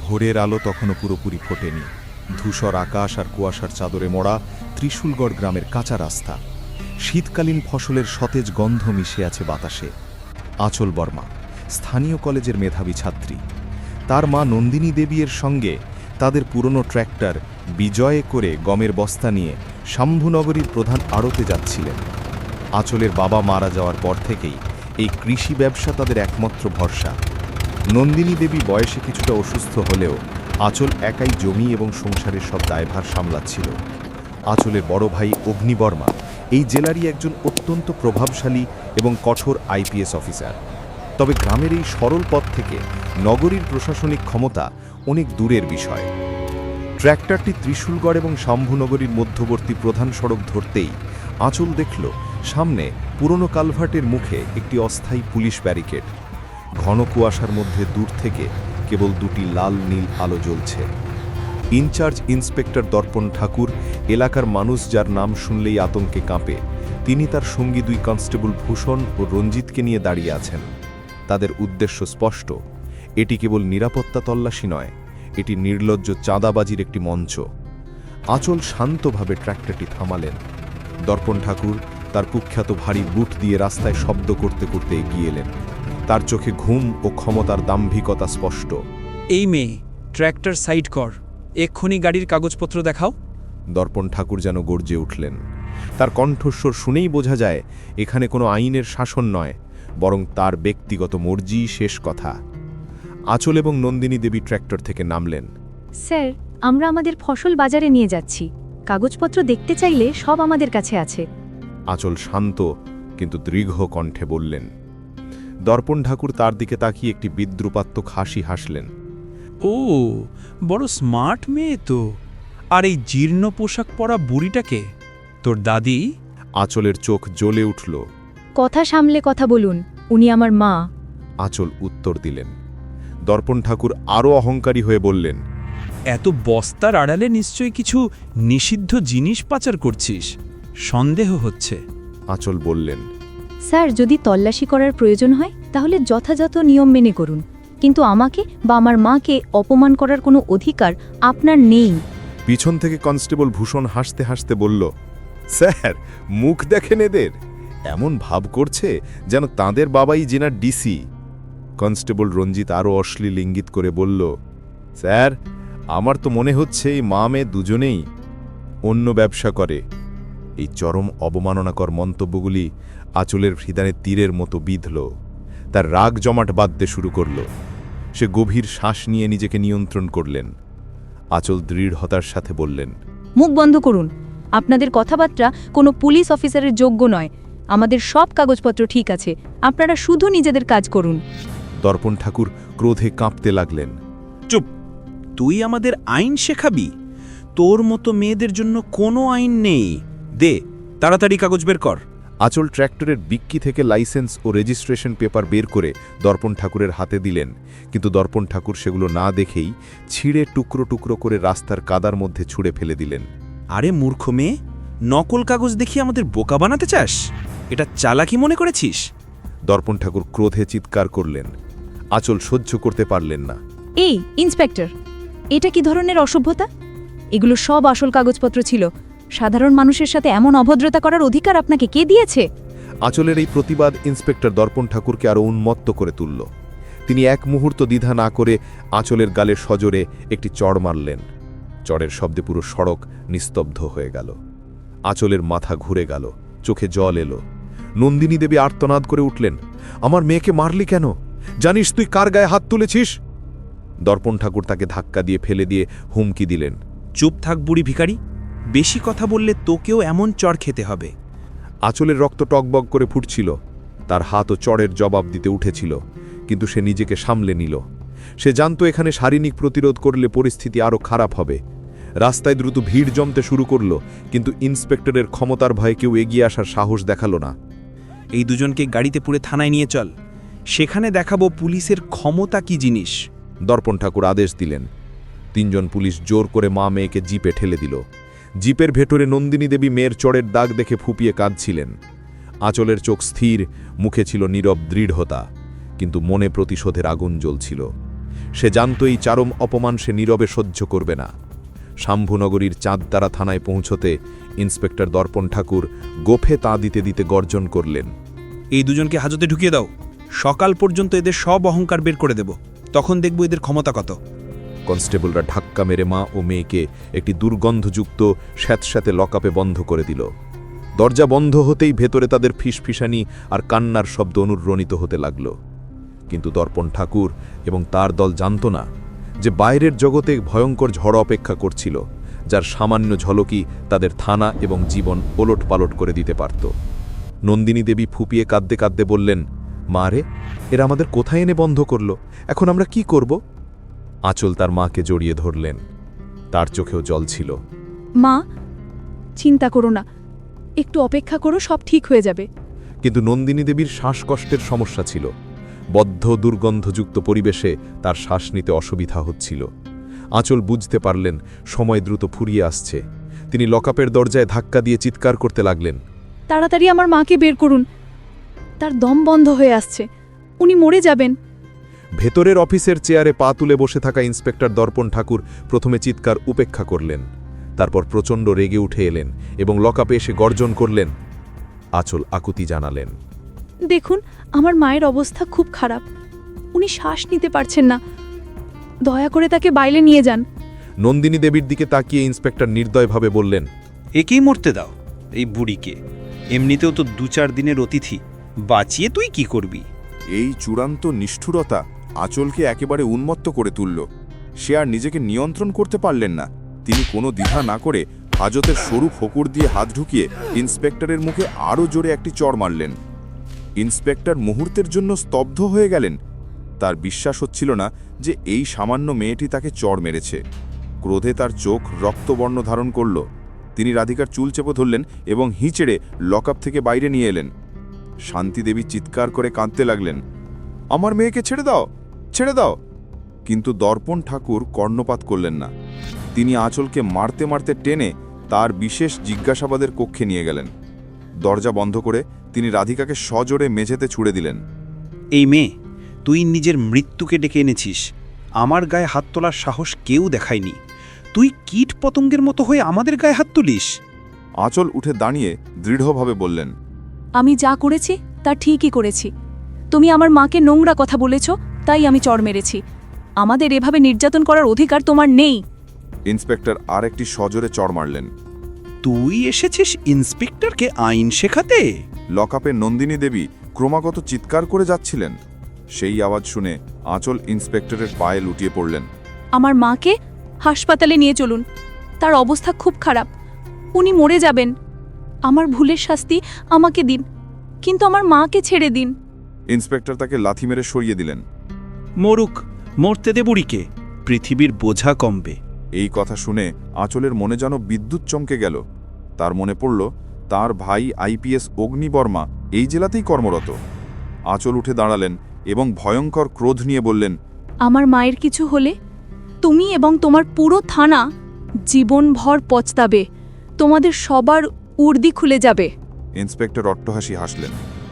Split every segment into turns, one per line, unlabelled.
ভোরের আলো তখনও পুরোপুরি ফোটেনি। ধূসর আকাশ আর কুয়াশার চাদরে মোড়া ত্রিশূলগড় গ্রামের কাঁচা রাস্তা। শীতকালীন ফসলের সতেজ গন্ধ মিশে আছে বাতাসে। আঁচল বর্মা স্থানীয় কলেজের মেধাবী ছাত্রী। তার মা নন্দিনী দেবীর সঙ্গে তাদের পুরনো ট্র্যাক্টর বিজয়ে করে গমের বস্তা নিয়ে শম্ভুনগরীর প্রধান আড়তে যাচ্ছিলেন। আঁচলের বাবা মারা যাওয়ার পর থেকেই এই কৃষি ব্যবসা তাদের একমাত্র ভরসা। নন্দিনী দেবী বয়সে কিছুটা অসুস্থ হলেও আঁচল একাই জমি এবং সংসারের সব দায়ভার সামলাচ্ছিল। আঁচলের বড় ভাই অগ্নিবর্মা এই জেলারই একজন অত্যন্ত প্রভাবশালী এবং কঠোর আইপিএস অফিসার। তবে গ্রামের এই সরল পথ থেকে নগরীর প্রশাসনিক ক্ষমতা অনেক দূরের বিষয়। ট্র্যাক্টরটি ত্রিশূলগড় এবং শম্ভুনগরীর মধ্যবর্তী প্রধান সড়ক ধরতেই আঁচল দেখল সামনে পুরনো কালভার্টের মুখে একটি অস্থায়ী পুলিশ ব্যারিকেড। ঘন কুয়াশার মধ্যে দূর থেকে কেবল দুটি লাল নীল আলো জ্বলছে। ইনচার্জ ইন্সপেক্টর দর্পণ ঠাকুর, এলাকার মানুষ যার নাম শুনলেই আতঙ্কে কাঁপে, তিনি তার সঙ্গী দুই কনস্টেবল ভূষণ ও রঞ্জিতকে নিয়ে দাঁড়িয়ে আছেন। তাদের উদ্দেশ্য স্পষ্ট, এটি কেবল নিরাপত্তা তল্লাশি নয়, এটি নির্লজ্জ চাঁদাবাজির একটি মঞ্চ। আঁচল শান্তভাবে ট্র্যাক্টরটি থামালেন। দর্পণ ঠাকুর তার কুখ্যাত ভারী বুট দিয়ে রাস্তায় শব্দ করতে করতে এগিয়ে এলেন। তার চোখে ঘুম ও ক্ষমতার দাম্ভিকতা স্পষ্ট।
এই মেয়ে, ট্র্যাক্টর সাইড কর, এক্ষুনি গাড়ির কাগজপত্র দেখাও।
দর্পণ ঠাকুর যেন গর্জে উঠলেন। তার কণ্ঠস্বর শুনেই বোঝা যায় এখানে কোনো আইনের শাসন নয়, বরং তার ব্যক্তিগত মর্জি শেষ কথা। আঁচল এবং নন্দিনী দেবী ট্র্যাক্টর থেকে নামলেন।
স্যার, আমরা আমাদের ফসল বাজারে নিয়ে যাচ্ছি। কাগজপত্র দেখতে চাইলে সব আমাদের কাছে আছে।
আঁচল শান্ত কিন্তু দীর্ঘ কণ্ঠে বললেন। দর্পণ ঠাকুর তার দিকে তাকিয়ে একটি বিদ্রুপাত্মক হাসি হাসলেন।
ও, বড় স্মার্ট মেয়ে তো। আর এই জীর্ণ পোশাক পরা বুড়িটাকে তোর দাদি?
আঁচলের চোখ জ্বলে উঠল।
কথা সামলে কথা বলুন, উনি আমার মা।
আঁচল উত্তর দিলেন। দর্পণ ঠাকুর আরও অহংকারী হয়ে বললেন,
এত বস্তার আড়ালে নিশ্চয়ই কিছু নিষিদ্ধ জিনিস পাচার করছিস, সন্দেহ হচ্ছে।
আঁচল বললেন,
স্যার, যদি তল্লাশি করার প্রয়োজন হয় তাহলে যথাযথ নিয়ম মেনে করুন, কিন্তু আমাকে বা আমার মাকে অপমান করার কোনো অধিকার আপনার নেই।
পিছন থেকে কনস্টেবল ভূষণ হাসতে হাসতে বলল, স্যার, মুখ দেখেন এদের, এমন ভাব করছে যেন তাদের বাবাই জেনার ডিসি। কনস্টেবল রঞ্জিত আরও অশ্লীল ইঙ্গিত করে বলল, স্যার, আমার তো মনে হচ্ছে এই মা মেয়ে দুজনেই অন্য ব্যবসা করে। এই চরম অবমাননাকর মন্তব্যগুলি আঁচলের হৃদয়ে তীরের মতো বিঁধল। তার রাগ জমাট বাঁধতে শুরু করল। সে গভীর শ্বাস নিয়ে নিজেকে নিয়ন্ত্রণ করলেন। আঁচল দৃঢ়তার সাথে বললেন,
মুখ বন্ধ করুন। আপনাদের কথাবার্তা কোনো পুলিশ অফিসারের যোগ্য নয়। আমাদের সব কাগজপত্র ঠিক আছে, আপনারা শুধু নিজেদের কাজ করুন।
দর্পণ ঠাকুর ক্রোধে কাঁপতে লাগলেন।
চুপ! তুই আমাদের আইন শেখাবি? তোর মতো মেয়েদের জন্য কোনো আইন নেই। দে, তাড়াতাড়ি কাগজ বের কর।
আঁচল ট্র্যাক্টরের বিক্কি থেকে লাইসেন্স ও রেজিস্ট্রেশন পেপার বের করে দর্পণ ঠাকুরের হাতে দিলেন, কিন্তু দর্পণ ঠাকুর সেগুলো না দেখেই ছিঁড়ে টুকরো টুকরো করে রাস্তার কাদার মধ্যে ছুঁড়ে ফেলে দিলেন।
আরে মূর্খ মেয়ে, নকল কাগজ দেখিয়ে আমাদের বোকা বানাতে চাস? এটা চালাকি মনে করেছিস?
দর্পণ ঠাকুর ক্রোধে চিৎকার করলেন। আঁচল সহ্য করতে পারলেন না।
এই ইন্সপেক্টর, এটা কি ধরনের অসভ্যতা? এগুলো সব আসল কাগজপত্র ছিল। সাধারণ মানুষের সাথে এমন অভদ্রতা করার অধিকার আপনাকে কে দিয়েছে?
আঁচলের এই প্রতিবাদ ইন্সপেক্টর দর্পণ ঠাকুরকে আরও উন্মত্ত করে তুলল। তিনি এক মুহূর্ত দ্বিধা না করে আঁচলের গালের সজোরে একটি চড় মারলেন। চড়ের শব্দে পুরো সড়ক নিস্তব্ধ হয়ে গেল। আঁচলের মাথা ঘুরে গেল, চোখে জল এলো। নন্দিনী দেবী আর্তনাদ করে উঠলেন, আমার মেয়েকে মারলি কেন? জানিস তুই কার গায়ে হাত তুলেছিস? দর্পণ ঠাকুর তাকে ধাক্কা দিয়ে ফেলে দিয়ে হুমকি দিলেন,
চুপ থাক বুড়ি ভিখারি, বেশি কথা বললে তোকেও এমন চড় খেতে হবে।
আঁচলের রক্ত টকবক করে ফুটছিল। তার হাতও চড়ের জবাব দিতে উঠেছিল, কিন্তু সে নিজেকে সামলে নিল। সে জানত এখানে শারীরিক প্রতিরোধ করলে পরিস্থিতি আরও খারাপ হবে। রাস্তায় দ্রুত ভিড় জমতে শুরু করল, কিন্তু ইন্সপেক্টরের ক্ষমতার ভয়ে কেউ এগিয়ে আসার সাহস দেখালো না।
এই দুজনকে গাড়িতে পুরে থানায় নিয়ে চল, সেখানে দেখাবো পুলিশের ক্ষমতা কি জিনিস।
দর্পণ ঠাকুর আদেশ দিলেন। তিনজন পুলিশ জোর করে মা মেয়েকে জিপে ঠেলে দিল। জিপের ভেতরে নন্দিনী দেবী মেয়ের চড়ের দাগ দেখে ফুপিয়ে কাঁদছিলেন। আঁচলের চোখ স্থির, মুখে ছিল নীরব দৃঢ়তা, কিন্তু মনে প্রতিশোধের আগুন জ্বলছিল। সে জানত এই চারম অপমান সে নীরবে সহ্য করবে না। শাম্ভুনগরীর চাঁদতারা থানায় পৌঁছতে ইন্সপেক্টর দর্পণ ঠাকুর গোফে তাঁ দিতে দিতে গর্জন করলেন।
এই দুজনকে হাজতে ঢুকিয়ে দাও, সকাল পর্যন্ত এদের সব অহংকার বের করে দেব, তখন দেখব এদের ক্ষমতা কত।
কনস্টেবলরা ধাক্কা মেরে মা ও মেয়েকে একটি দুর্গন্ধযুক্ত স্যাঁতস্যাঁতে লকআপে বন্ধ করে দিল। দরজা বন্ধ হতেই ভেতরে তাদের ফিসফিসানি আর কান্নার শব্দ অনুরণিত হতে লাগল। কিন্তু দর্পণ ঠাকুর এবং তার দল জানত না যে বাইরের জগতে ভয়ঙ্কর ঝড় অপেক্ষা করছিল, যার সামান্য ঝলকই তাদের থানা এবং জীবন ওলটপালট করে দিতে পারত। নন্দিনী দেবী ফুপিয়ে কাঁদতে কাঁদতে বললেন, মা রে, এরা আমাদের কোথায় এনে বন্ধ করল, এখন আমরা কি করব? আঁচল তার মাকে জড়িয়ে ধরলেন। তার চোখেও জল ছিল।
মা, চিন্তা করো না, একটু অপেক্ষা করো, সব ঠিক হয়ে যাবে।
কিন্তু নন্দিনী দেবীর শ্বাসকষ্টের সমস্যা ছিল। বদ্ধ দুর্গন্ধযুক্ত পরিবেশে তার শ্বাস নিতে অসুবিধা হচ্ছিল। আঁচল বুঝতে পারলেন সময় দ্রুত ফুরিয়ে আসছে। তিনি লকআপের দরজায় ধাক্কা দিয়ে চিৎকার করতে লাগলেন,
তাড়াতাড়ি আমার মাকে বের করুন, তার দম বন্ধ হয়ে আসছে, উনি মরে যাবেন।
ভেতরের অফিসের চেয়ারে পা তুলে বসে থাকা ইন্সপেক্টর দর্পণ ঠাকুর প্রথমে চিৎকার উপেক্ষা করলেন, তারপর প্রচণ্ড রেগে উঠে এলেন এবং লকআপে এসে গর্জন করলেন। আঁচল আকুতি জানালেন,
দেখুন, আমার মায়ের অবস্থা খুব খারাপ, উনি শ্বাস নিতে পারছেন না, দয়া করে তাকে বাইরে নিয়ে যান।
নন্দিনী দেবীর দিকে তাকিয়ে ইন্সপেক্টর নির্দয়ভাবে বললেন,
একেই মরতে দাও, এই বুড়িকে, এমনিতেও তো 2-4 দিনের অতিথি, বাঁচিয়ে তুই কি করবি?
এই চূড়ান্ত নিষ্ঠুরতা আঁচলকে একেবারে উন্মত্ত করে তুলল। সে আর নিজেকে নিয়ন্ত্রণ করতে পারলেন না। তিনি কোনো দ্বিধা না করে হাজতের সরু ফোকর দিয়ে হাত ঢুকিয়ে ইন্সপেক্টরের মুখে আরও জোরে একটি চড় মারলেন। ইন্সপেক্টর মুহূর্তের জন্য স্তব্ধ হয়ে গেলেন। তার বিশ্বাস হচ্ছিল না যে এই সামান্য মেয়েটি তাকে চড় মেরেছে। ক্রোধে তার চোখ রক্তবর্ণ ধারণ করল। তিনি রাধিকার চুল চেপে ধরলেন এবং হিঁচড়ে লকআপ থেকে বাইরে নিয়ে এলেন। শান্তিদেবী চিৎকার করে কাঁদতে লাগলেন, আমার মেয়েকে ছেড়ে দাও, ছেড়ে দাও। কিন্তু দর্পণ ঠাকুর কর্ণপাত করলেন না। তিনি আঁচলকে মারতে মারতে টেনে তার বিশেষ জিজ্ঞাসাবাদের কক্ষে নিয়ে গেলেন। দরজা বন্ধ করে তিনি রাধিকাকে সজোরে মেঝেতে ছুড়ে দিলেন।
এই মেয়ে, তুই নিজের মৃত্যুকে ডেকে এনেছিস, আমার গায়ে হাত তোলার সাহস কেউ দেখায়নি, তুই কীট পতঙ্গের মতো হয়ে আমাদের গায়ে হাত তুলিস?
আঁচল উঠে দাঁড়িয়ে দৃঢ়ভাবে বললেন,
আমি যা করেছি তা ঠিকই করেছি। তুমি আমার মাকে নোংরা কথা বলেছ, তাই আমি চড় মেরেছি। আমাদের এভাবে নির্যাতন করার অধিকার তোমার নেই।
ইন্সপেক্টর আর একটি সজোরে চড় মারলেন।
তুই এসেছিস ইন্সপেক্টরকে আইন শেখাতে?
লকআপে নন্দিনী দেবী ক্রমাগত চিৎকার করে যাচ্ছিলেন। সেই আওয়াজ শুনে আঁচল ইন্সপেক্টরের পায়ে লুটিয়ে পড়লেন।
আমার মাকে হাসপাতালে নিয়ে চলুন, তার অবস্থা খুব খারাপ, উনি মরে যাবেন। আমার ভুলের শাস্তি আমাকে দিন, কিন্তু আমার মাকে ছেড়ে দিন।
ইন্সপেক্টর তাকে লাথি মেরে সরিয়ে দিলেন।
মরুক, মরতে দে বুড়িকে, পৃথিবীর বোঝা কমবে।
এই কথা শুনে আঁচলের মনে যেন বিদ্যুৎ চমকে গেল। তার মনে পড়ল তার ভাই আইপিএস অগ্নিবর্মা এই জেলাতেই কর্মরত। আঁচল উঠে দাঁড়ালেন এবং ভয়ঙ্কর ক্রোধ নিয়ে বললেন,
আমার মায়ের কিছু হলে তুমি এবং তোমার পুরো থানা জীবনভর পচতাবে, তোমাদের সবার উর্দি খুলে যাবে।
ইন্সপেক্টর অট্টহাসি হাসলেন।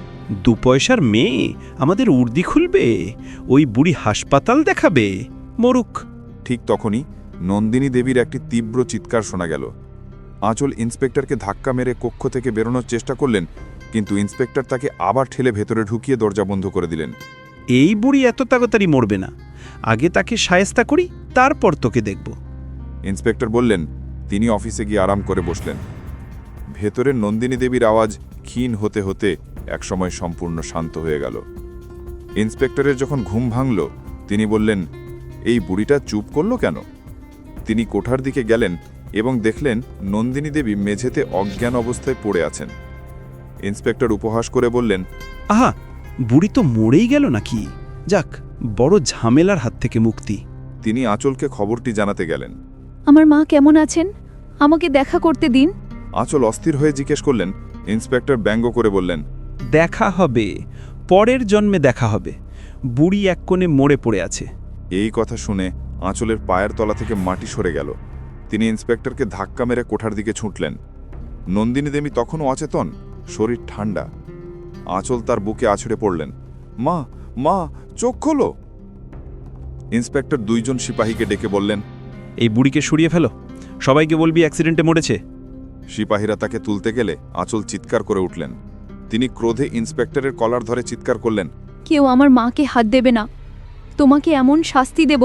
2 পয়সার মেয়ে আমাদের উর্দি খুলবে, ওই বুড়ি হাসপাতাল দেখাবে, মরুক।
ঠিক তখনই নন্দিনী দেবীর একটি তীব্র চিৎকার শোনা গেল। আঁচল ইন্সপেক্টরকে ধাক্কা মেরে কক্ষ থেকে বেরোনোর চেষ্টা করলেন, কিন্তু ইন্সপেক্টর তাকে আবার ঠেলে ভেতরে ঢুকিয়ে দরজা বন্ধ করে দিলেন।
এই বুড়ি এত তাড়াতাড়ি মরবে না, আগে তাকে শায়েস্তা করি, তারপর তোকে দেখব।
ইন্সপেক্টর বললেন। তিনি অফিসে গিয়ে আরাম করে বসলেন। ভেতরে নন্দিনী দেবীর আওয়াজ ক্ষীণ হতে হতে একসময় সম্পূর্ণ শান্ত হয়ে গেল। ইন্সপেক্টরের যখন ঘুম ভাঙল, তিনি বললেন, এই বুড়িটা চুপ করল কেন? তিনি কোঠার দিকে গেলেন এবং দেখলেন নন্দিনী দেবী মেঝেতে অজ্ঞান অবস্থায় পড়ে আছেন। ইন্সপেক্টর উপহাস করে বললেন,
আহা, বুড়ি তো মরেই গেল নাকি? যাক, বড় ঝামেলার হাত থেকে মুক্তি।
তিনি আঁচলকে খবরটি জানাতে গেলেন।
আমার মা কেমন আছেন? আমাকে দেখা করতে দিন।
আঁচল অস্থির হয়ে জিজ্ঞেস করলেন। ইন্সপেক্টর ব্যঙ্গ করে বললেন,
দেখা হবে, পরের জন্মে দেখা হবে, বুড়ি এক কোণে মরে পড়ে আছে।
এই কথা শুনে আঁচলের পায়ের তলা থেকে মাটি সরে গেল। তিনি ইন্সপেক্টরকে ধাক্কা মেরে কোঠার দিকে ছুটলেন। নন্দিনী দেবী তখনও অচেতন, শরীর ঠান্ডা। আঁচল তার বুকে আছড়ে পড়লেন। মা, মা, চোখ খোলো। ইন্সপেক্টর 2 জন সিপাহীকে ডেকে বললেন,
এই বুড়িকে সরিয়ে ফেলো, সবাইকে বলবি অ্যাক্সিডেন্টে মরেছে।
সিপাহীরা তাকে তুলতে গেলে আঁচল চিৎকার করে উঠলেন। তিনি ক্রোধে ইন্সপেক্টরের কলার ধরে চিৎকার করলেন,
কেউ আমার মাকে হাত দেবে না, তোমাকে এমন শাস্তি দেব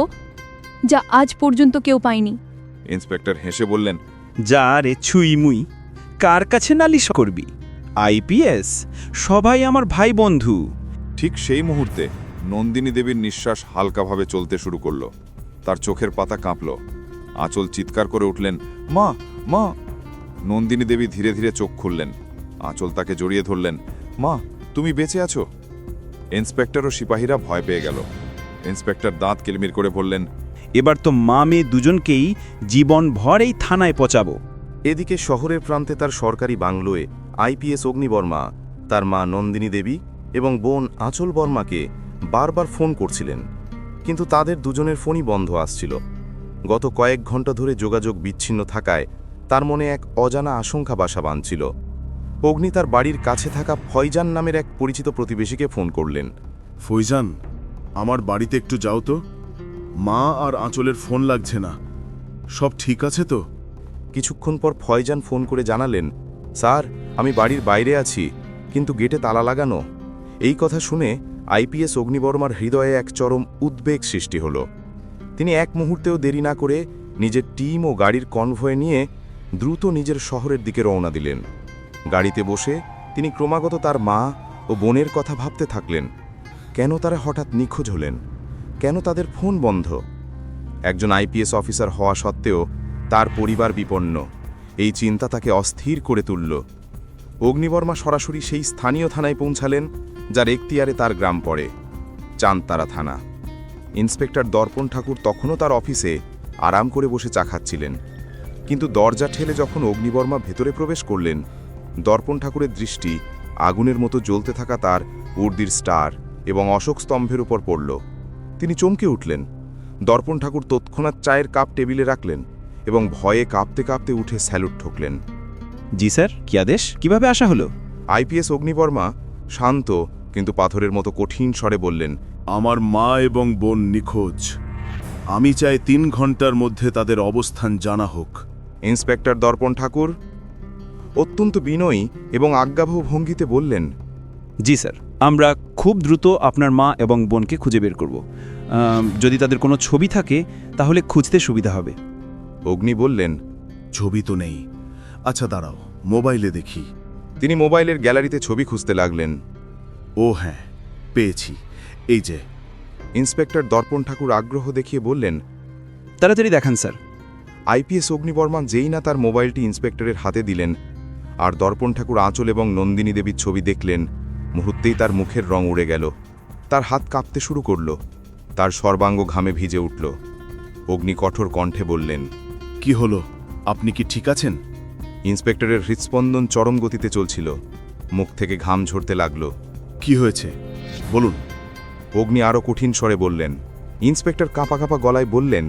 যা আজ পর্যন্ত কেউ পায়নি।
ইন্সপেক্টর হেসে বললেন,
যা রে ছুই মুই, কার কাছে নালিশ করবি? আইপিএস, সবাই আমার ভাই বন্ধু।
ঠিক সেই মুহূর্তে নন্দিনী দেবীর নিঃশ্বাস হালকাভাবে চলতে শুরু করল। তার চোখের পাতা কাঁপল। আঁচল চিৎকার করে উঠলেন, মা মা। নন্দিনী দেবী ধীরে ধীরে চোখ খুললেন। আঁচল তাকে জড়িয়ে ধরলেন, মা তুমি বেঁচে আছো? ইন্সপেক্টর ও সিপাহীরা ভয় পেয়ে গেল। ইন্সপেক্টর দাঁত কিলমির করে বললেন,
এবার তো মা মেয়ে দুজনকেই জীবনভর এই থানায় পচাবো।
এদিকে শহরের প্রান্তে তার সরকারি বাংলোয় আইপিএস অগ্নিবর্মা তার মা নন্দিনী দেবী এবং বোন আঁচল বর্মাকে বারবার ফোন করছিলেন, কিন্তু তাদের দুজনের ফোনই বন্ধ আসছিল। গত কয়েক ঘন্টা ধরে যোগাযোগ বিচ্ছিন্ন থাকায় তার মনে এক অজানা আশঙ্কা বাসা বাঁধছিল। অগ্নি তার বাড়ির কাছে থাকা ফয়জান নামের এক পরিচিত প্রতিবেশীকে ফোন করলেন।
ফৈজান, আমার বাড়িতে একটু যাও তো। মা আর আঁচলের ফোন লাগছে না, সব ঠিক আছে তো?
কিছুক্ষণ পর ফয়জান ফোন করে জানালেন, স্যার আমি বাড়ির বাইরে আছি, কিন্তু গেটে তালা লাগানো। এই কথা শুনে আইপিএস অগ্নিবর্মার হৃদয়ে এক চরম উদ্বেগ সৃষ্টি হল। তিনি এক মুহূর্তেও দেরি না করে নিজের টিম ও গাড়ির কনভয় নিয়ে দ্রুত নিজের শহরের দিকে রওনা দিলেন। গাড়িতে বসে তিনি ক্রমাগত তার মা ও বোনের কথা ভাবতে থাকলেন। কেন তারা হঠাৎ নিখোঁজ হলেন? কেন তাদের ফোন বন্ধ? একজন আইপিএস অফিসার হওয়া সত্ত্বেও তার পরিবার বিপন্ন। এই চিন্তা তাকে অস্থির করে তুলল। অগ্নিবর্মা সরাসরি সেই স্থানীয় থানায় পৌঁছালেন যার এখতিয়ারে তার গ্রাম পড়ে, চাঁদতারা থানা। ইন্সপেক্টর দর্পণ ঠাকুর তখনও তার অফিসে আরাম করে বসে চা খাচ্ছিলেন। কিন্তু দরজা ঠেলে যখন অগ্নিবর্মা ভেতরে প্রবেশ করলেন, দর্পণ ঠাকুরের দৃষ্টি আগুনের মতো জ্বলতে থাকা তার উর্দির স্টার এবং অশোক স্তম্ভের উপর পড়ল। তিনি চমকে উঠলেন। দর্পণ ঠাকুর তৎক্ষণাৎ চায়ের কাপ টেবিলে রাখলেন এবং ভয়ে কাঁপতে কাঁপতে উঠে স্যালুট ঠোকলেন।
জি স্যার, কি আদেশ? কিভাবে আসা হলো?
আইপিএস অগ্নিবর্মা শান্ত কিন্তু পাথরের মতো কঠিন স্বরে বললেন,
আমার মা এবং বোন নিখোঁজ। আমি চাই 3 ঘন্টার মধ্যে তাদের অবস্থান জানা হোক।
ইন্সপেক্টর দর্পণ ঠাকুর অত্যন্ত বিনয়ী এবং আজ্ঞাবহ ভঙ্গিতে বললেন,
জি স্যার, আমরা খুব দ্রুত আপনার মা এবং বোনকে খুঁজে বের করব। যদি তাদের কোনো ছবি থাকে তাহলে খুঁজতে সুবিধা হবে।
অগ্নি বললেন,
ছবি তো নেই। আচ্ছা দাঁড়াও, মোবাইলে দেখি।
তিনি মোবাইলের গ্যালারিতে ছবি খুঁজতে লাগলেন।
ও হ্যাঁ, পেয়েছি, এই যে।
ইন্সপেক্টর দর্পণ ঠাকুর আগ্রহ দেখিয়ে বললেন,
তাড়াতাড়ি দেখান স্যার।
আইপিএস অগ্নিবর্মা যেই না তার মোবাইলটি ইন্সপেক্টরের হাতে দিলেন আর দর্পণ ঠাকুর আঁচল এবং নন্দিনী দেবীর ছবি দেখলেন, মুহূর্তেই তার মুখের রং উড়ে গেল। তার হাত কাঁপতে শুরু করল, তার সর্বাঙ্গ ঘামে ভিজে উঠল। অগ্নি কঠোর কণ্ঠে বললেন,
কি হলো? আপনি কি ঠিক আছেন?
ইন্সপেক্টরের হৃৎস্পন্দন চরম গতিতে চলছিল, মুখ থেকে ঘাম ঝরতে লাগল।
কি হয়েছে বলুন।
অগ্নি আরও কঠিন স্বরে বললেন। ইন্সপেক্টর কাঁপা কাঁপা গলায় বললেন,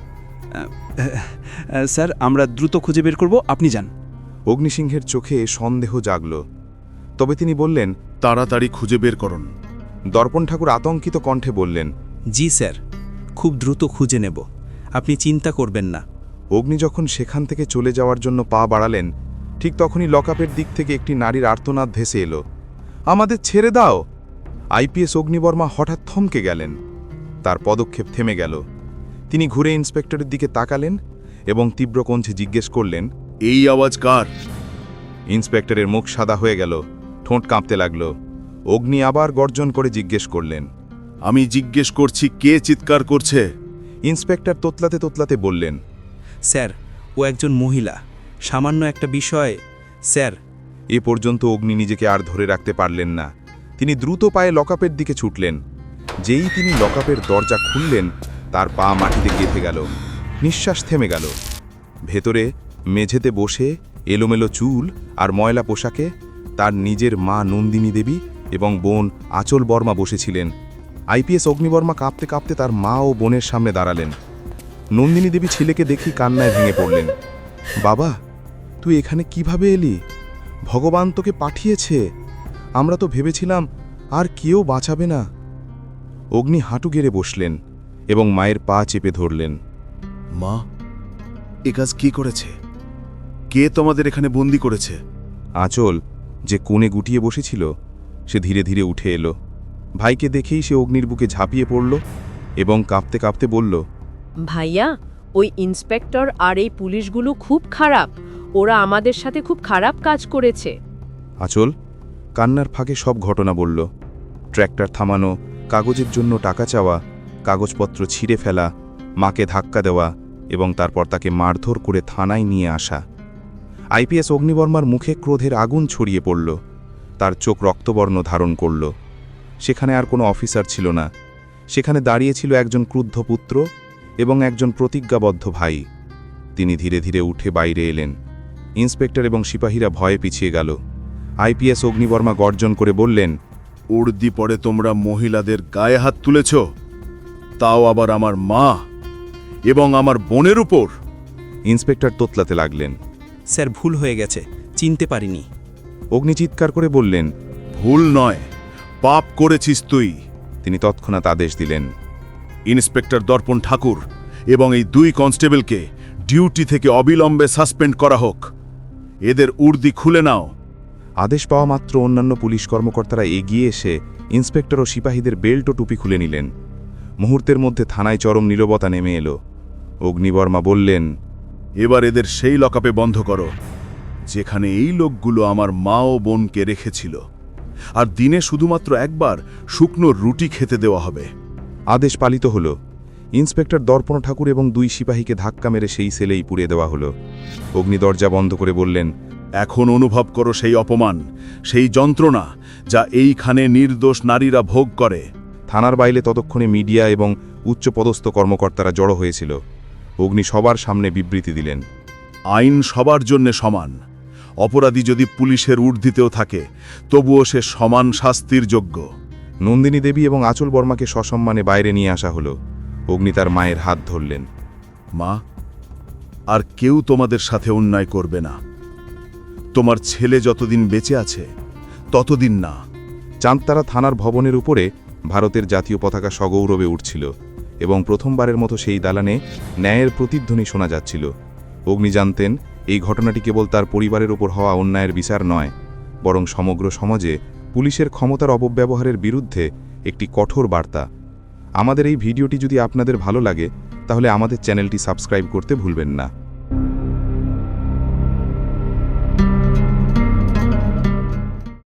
স্যার, আমরা দ্রুত খুঁজে বের করব, আপনি যান।
অগ্নিসিংহের চোখে সন্দেহ জাগল, তবে তিনি বললেন,
তাড়াতাড়ি খুঁজে বের করুন।
দর্পণ ঠাকুর আতঙ্কিত কণ্ঠে বললেন,
জি স্যার, খুব দ্রুত খুঁজে নেব, আপনি চিন্তা করবেন না।
অগ্নি যখন সেখান থেকে চলে যাওয়ার জন্য পা বাড়ালেন, ঠিক তখনই লকআপের দিক থেকে একটি নারীর আর্তনাদ ভেসে এলো, আমাদের ছেড়ে দাও। আইপিএস অগ্নিবর্মা হঠাৎ থমকে গেলেন, তার পদক্ষেপ থেমে গেল। তিনি ঘুরে ইন্সপেক্টরের দিকে তাকালেন এবং তীব্র কণ্ঠে জিজ্ঞেস করলেন,
এই আওয়াজ কার?
ইন্সপেক্টরের মুখ সাদা হয়ে গেল, ঠোঁট কাঁপতে লাগল। অগ্নি আবার গর্জন করে জিজ্ঞেস করলেন,
আমি জিজ্ঞেস করছি, কে চিৎকার করছে?
ইন্সপেক্টর তোতলাতে তোতলাতে বললেন,
স্যার, ও একজন মহিলা, সামান্য একটা বিষয় স্যার।
এ পর্যন্ত অগ্নি নিজেকে আর ধরে রাখতে পারলেন না। তিনি দ্রুত পায়ে লকআপের দিকে ছুটলেন। যেই তিনি লকআপের দরজা খুললেন, তার পা মাটিতে গেঁথে গেল, নিঃশ্বাস থেমে গেল। ভেতরে মেঝেতে বসে এলোমেলো চুল আর ময়লা পোশাকে তার নিজের মা নন্দিনী দেবী এবং বোন আঁচল বর্মা বসেছিলেন। আইপিএস অগ্নিবর্মা কাঁপতে কাঁপতে তার মা ও বোনের সামনে দাঁড়ালেন। নন্দিনী দেবী ছেলেকে দেখি কান্নায় ভেঙে পড়লেন। বাবা, তুই এখানে কিভাবে এলি? ভগবান তোকে পাঠিয়েছে, আমরা তো ভেবেছিলাম আর কেউ বাঁচাবে না। অগ্নি হাঁটু গেড়ে বসলেন এবং মায়ের পা চেপে ধরলেন।
মা, এ কাজ কি করেছে? কে তোমাদের এখানে বন্দি করেছে?
আঁচল, যে কোণে গুটিয়ে বসেছিল, সে ধীরে ধীরে উঠে এলো। ভাইকে দেখেই সে অগ্নির বুকে ঝাঁপিয়ে পড়ল এবং কাঁপতে কাঁপতে বলল,
ভাইয়া, ওই ইন্সপেক্টর আর এই পুলিশগুলো খুব খারাপ। ওরা আমাদের সাথে খুব খারাপ কাজ করেছে।
আঁচল কান্নার ফাঁকে সব ঘটনা বলল। ট্র্যাক্টর থামানো, কাগজের জন্য টাকা চাওয়া, কাগজপত্র ছিঁড়ে ফেলা, মাকে ধাক্কা দেওয়া এবং তারপর তাকে মারধর করে থানায় নিয়ে আসা। আইপিএস অগ্নিবর্মার মুখে ক্রোধের আগুন ছড়িয়ে পড়ল। তার চোখ রক্তবর্ণ ধারণ করল। সেখানে আর কোনো অফিসার ছিল না। সেখানে দাঁড়িয়ে ছিল একজন ক্রুদ্ধ পুত্র এবং একজন প্রতিজ্ঞাবদ্ধ ভাই। তিনি ধীরে ধীরে উঠে বাইরে এলেন। ইন্সপেক্টর এবং সিপাহীরা ভয়ে পিছিয়ে গেল। আইপিএস অগ্নিবর্মা গর্জন করে বললেন,
উর্দি পরে তোমরা মহিলাদের গায়ে হাত তুলেছ, তাও আবার আমার মা এবং আমার বোনের উপর।
ইন্সপেক্টর তোতলাতে লাগলেন।
স্যার, ভুল হয়ে গেছে, চিনতে পারিনি।
অগ্নি চিৎকার করে বললেন,
ভুল নয়, পাপ করেছিস তুই।
তিনি তৎক্ষণাৎ আদেশ দিলেন,
ইন্সপেক্টর দর্পণ ঠাকুর এবং এই 2 কনস্টেবলকে ডিউটি থেকে অবিলম্বে সাসপেন্ড করা হোক। এদের উর্দি খুলে নাও।
আদেশ পাওয়া মাত্র অন্যান্য পুলিশ কর্মকর্তারা এগিয়ে এসে ইন্সপেক্টর ও সিপাহীদের বেল্ট ও টুপি খুলে নিলেন। মুহূর্তের মধ্যে থানায় চরম নীরবতা নেমে এলো। অগ্নিবর্মা বললেন,
এবার এদের সেই লকআপে বন্ধ করো যেখানে এই লোকগুলো আমার মা ও বোনকে রেখেছিল, আর দিনে শুধুমাত্র একবার শুকনো রুটি খেতে দেওয়া হবে।
আদেশ পালিত হল। ইন্সপেক্টর দর্পণ ঠাকুর এবং 2 সিপাহীকে ধাক্কা মেরে সেই সেলেই পুড়িয়ে দেওয়া হলো। অগ্নি দরজা বন্ধ করে বললেন,
এখন অনুভব করো সেই অপমান, সেই যন্ত্রণা যা এইখানে নির্দোষ নারীরা ভোগ করে।
থানার বাইরে ততক্ষণে মিডিয়া এবং উচ্চপদস্থ কর্মকর্তারা জড়ো হয়েছিল। অগ্নি সবার সামনে বিবৃতি দিলেন,
আইন সবার জন্য সমান। অপরাধী যদি পুলিশের ঊর্ধ্বেও থাকে, তবুও সে সমান শাস্তির যোগ্য।
নন্দিনী দেবী এবং আঁচল বর্মাকে সসম্মানে বাইরে নিয়ে আসা হলো। অগ্নি তার মায়ের হাত ধরলেন।
মা, আর কেউ তোমাদের সাথে অন্যায় করবে না। তোমার ছেলে যতদিন বেঁচে আছে ততদিন না।
চাঁদতারা থানার ভবনের উপরে ভারতের জাতীয় পতাকা সগৌরবে উঠছিল এবং প্রথমবারের মতো সেই দালানে ন্যায়ের প্রতিধ্বনি শোনা যাচ্ছিল। অগ্নি জানতেন, এই ঘটনাটি কেবল তার পরিবারের উপর হওয়া অন্যায়ের বিচার নয়, বরং সমগ্র সমাজে পুলিশের ক্ষমতার অপব্যবহারের বিরুদ্ধে একটি কঠোর বার্তা। আমাদের এই ভিডিওটি যদি আপনাদের ভালো লাগে, তাহলে আমাদের চ্যানেলটি সাবস্ক্রাইব করতে ভুলবেন না।